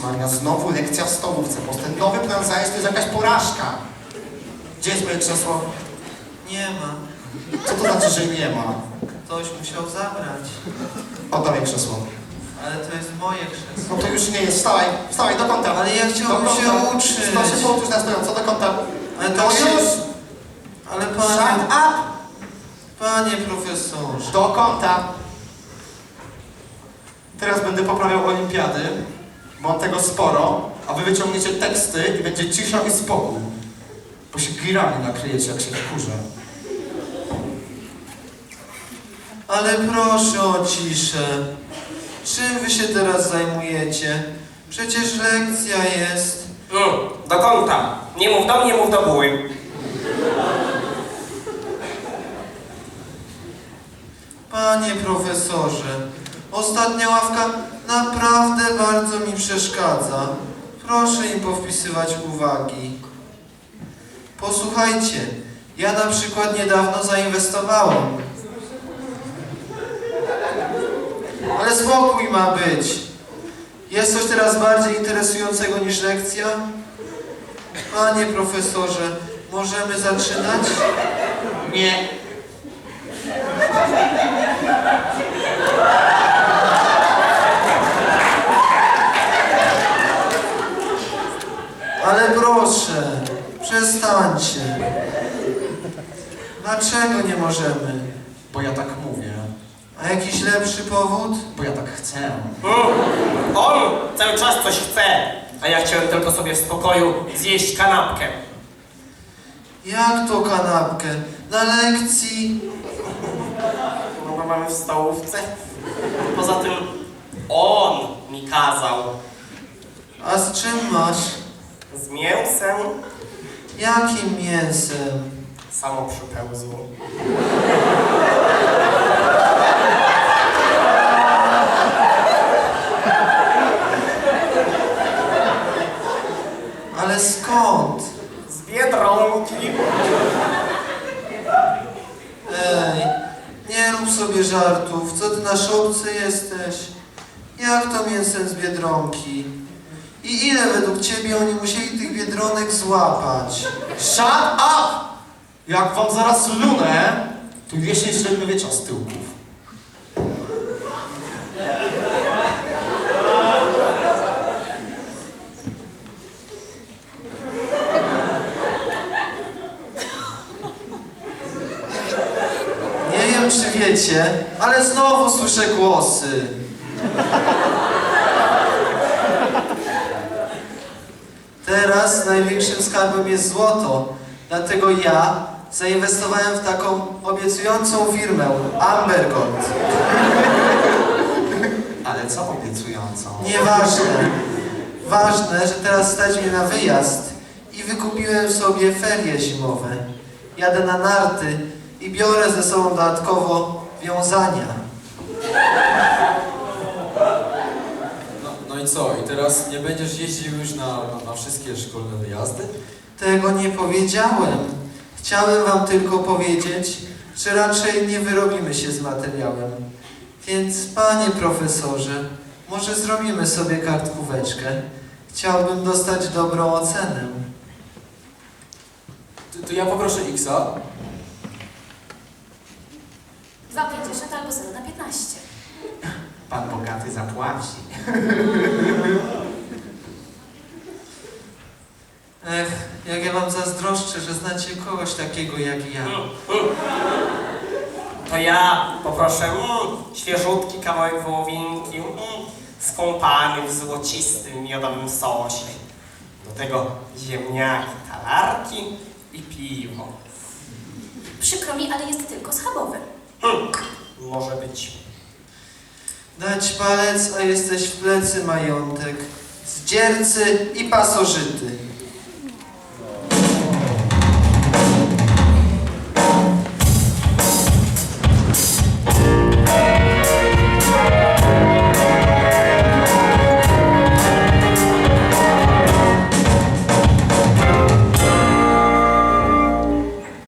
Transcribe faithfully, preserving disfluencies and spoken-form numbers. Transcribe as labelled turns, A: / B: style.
A: Maria, znowu lekcja w stołówce, bo ten nowy plan zajęć to jest jakaś porażka. Gdzie jest moje krzesło?
B: Nie ma.
A: Co to znaczy, że nie ma?
B: Ktoś musiał zabrać.
A: Oddawaj krzesło.
B: Ale to jest moje krzesło.
A: No to już nie jest. Wstawaj, wstawaj, do kąta.
B: Ale ja chciałbym
A: Do
B: się
A: kąta.
B: uczyć.
A: To się pouczysz na stojąco, do kąta.
B: Ale
A: to
B: tak się...
A: już!
B: Ale
A: Shut
B: panie...
A: up!
B: Panie profesorze.
A: Do kąta. Teraz będę poprawiał olimpiady. Mam tego sporo, a wy wyciągniecie teksty i będzie cisza i spokój. Bo się girami nakryjecie, jak się wkurzę.
B: Ale proszę o ciszę. Czym wy się teraz zajmujecie? Przecież lekcja jest.
C: Mm, do kąta. Nie mów do mnie, mów do buły.
B: Panie profesorze, ostatnia ławka naprawdę bardzo mi przeszkadza. Proszę im powpisywać uwagi. Posłuchajcie, ja na przykład niedawno zainwestowałem. Ale spokój ma być. Jest coś teraz bardziej interesującego niż lekcja? Panie profesorze, możemy zaczynać?
A: Nie.
B: Ale proszę, przestańcie. Dlaczego nie możemy?
A: Bo ja tak mówię.
B: A jakiś lepszy powód?
A: Bo ja tak chcę.
C: Mm, on cały czas coś chce, a ja chciałem tylko sobie w spokoju zjeść kanapkę.
B: Jak to kanapkę? Na lekcji?
C: No bo mamy w stołówce. Poza tym on mi kazał.
B: A z czym masz?
C: Z mięsem
B: Jakim mięsem?
C: samo przypełzło.
B: Ale skąd?
C: Z Biedronki.
B: Ej, nie rób sobie żartów. Co ty na szopce jesteś? Jak to mięsem z Biedronki? I ile według ciebie oni musieli tych Biedronek złapać?
A: Shut up! Jak wam zaraz lunę, to jesień średniowiecza z tyłków.
B: Nie wiem, czy wiecie, ale znowu słyszę głosy. Teraz największym skarbem jest złoto, dlatego ja zainwestowałem w taką obiecującą firmę, Amber Gold.
A: Ale co obiecującą?
B: Nieważne. Ważne, że teraz stać mnie na wyjazd i wykupiłem sobie ferie zimowe. Jadę na narty i biorę ze sobą dodatkowo wiązania.
D: No, no i co? I teraz nie będziesz jeździł już na, na, na wszystkie szkolne wyjazdy?
B: Tego nie powiedziałem. Chciałem wam tylko powiedzieć, że raczej nie wyrobimy się z materiałem. Więc, panie profesorze, może zrobimy sobie kartkóweczkę. Chciałbym dostać dobrą ocenę.
D: To, to ja poproszę X-a.
E: dwa pięćdziesiąt albo zero na piętnaście.
A: Pan bogaty zapłaci.
B: Ech, jak ja wam zazdroszczę, że znacie kogoś takiego jak ja.
C: Mm, mm. To ja poproszę mm, świeżutki kawałek wołowinki, mm, skąpany w złocistym miodowym sosie. Do tego ziemniaki, talarki i piwo.
E: Przykro mi, ale jest tylko schabowy.
C: Hmm, może być.
B: Dać palec, a jesteś w plecy majątek. Zdziercy i pasożyty.